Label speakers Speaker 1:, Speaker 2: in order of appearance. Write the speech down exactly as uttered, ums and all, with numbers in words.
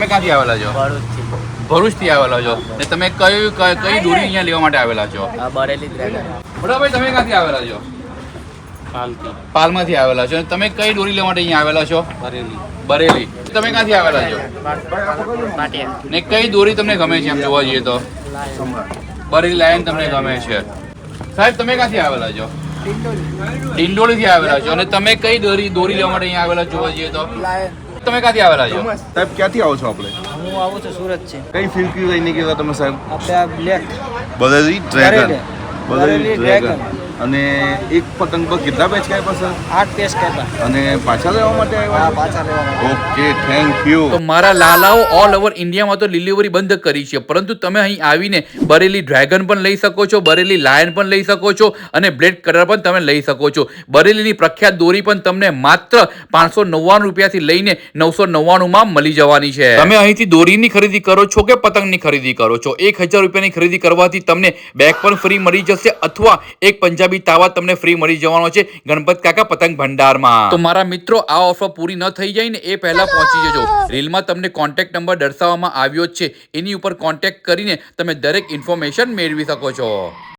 Speaker 1: તમે ક્યાંથી આવેલા છો? ભરૂચથી આવેલા છો. ને તમે કઈ કઈ દોરી અહીંયા લેવા માટે આવેલા છો?
Speaker 2: બરેલી ડ્રેગન.
Speaker 1: બરાબર, તમે ક્યાંથી આવેલા છો?
Speaker 2: પાલથી.
Speaker 1: પાલમાંથી આવેલા છો. તમે કઈ દોરી લેવા માટે અહીંયા આવેલા છો?
Speaker 2: બરેલી.
Speaker 1: બરેલી. તમે ક્યાંથી આવેલા છો?
Speaker 2: પાટિયા.
Speaker 1: ને કઈ દોરી તમને ગમે છે એમ જોવા જઈએ તો? બરેલી લાયન તમને ગમે છે. સાહેબ તમે ક્યાંથી આવેલા છો? ડિંડોલીથી આવેલા છો. અને તમે કઈ દોરી દોરી લેવા માટે અહીંયા આવેલા જોવા જઈએ તો? તમે ક્યાંથી આવેલા છો?
Speaker 3: સાહેબ ક્યાંથી આવો છો આપણે?
Speaker 2: હું આવું છું સુરત છે.
Speaker 3: કઈ ફિલ્મ કયું લઈને ગયા તમે સાહેબ?
Speaker 2: આપણે આ black
Speaker 3: Bareilly dragon.
Speaker 2: Bareilly dragon.
Speaker 3: અને એક પતંગ પર કેટલા પેચ કાપ્યા સર?
Speaker 2: આઠ પેસ કહેતા.
Speaker 3: અને પાછા લેવા માટે
Speaker 2: હા
Speaker 3: આવ્યા?
Speaker 2: પાછા લેવા.
Speaker 3: Okay, thank you.
Speaker 1: તો મારા લાલાઓ ઓલ ઓવર ઇન્ડિયામાં તો ડિલિવરી બંધ કરી છે, પરંતુ તમે અહીં આવીને બરેલી ડ્રેગન પણ લઈ શકો છો, બરેલી લાયન પણ લઈ શકો છો અને બ્લેડ કલર પણ તમે લઈ શકો છો. બરેલીની પ્રખ્યાત દોરી પણ તમને માત્ર પાંચસો નવ્વાણું રૂપિયાથી લઈને નવસો નવ્વાણું માં મળી જવાની છે. તમે અહીંથી દોરીની ખરીદી કરો છો કે પતંગની ખરીદી કરો છો, એક હજાર રૂપિયાની ખરીદી કરવાથી તમને બેગ પણ ફ્રી મળી જશે અથવા એક પંજાબી તાવા તમને ફ્રી મળી જવાનો છે ગણપત કાકા પતંગ ભંડારમાં. તો મારા મિત્રો, આ ઓફર પૂરી ન થઈ જાય ને એ પહેલા પહોંચી જજો. રીલમાં તમને કોન્ટેક્ટ નંબર દર્શાવવામાં આવ્યો જ છે, એની ઉપર કોન્ટેક્ટ કરીને તમે દરેક ઇન્ફોર્મેશન મેળવી શકો છો.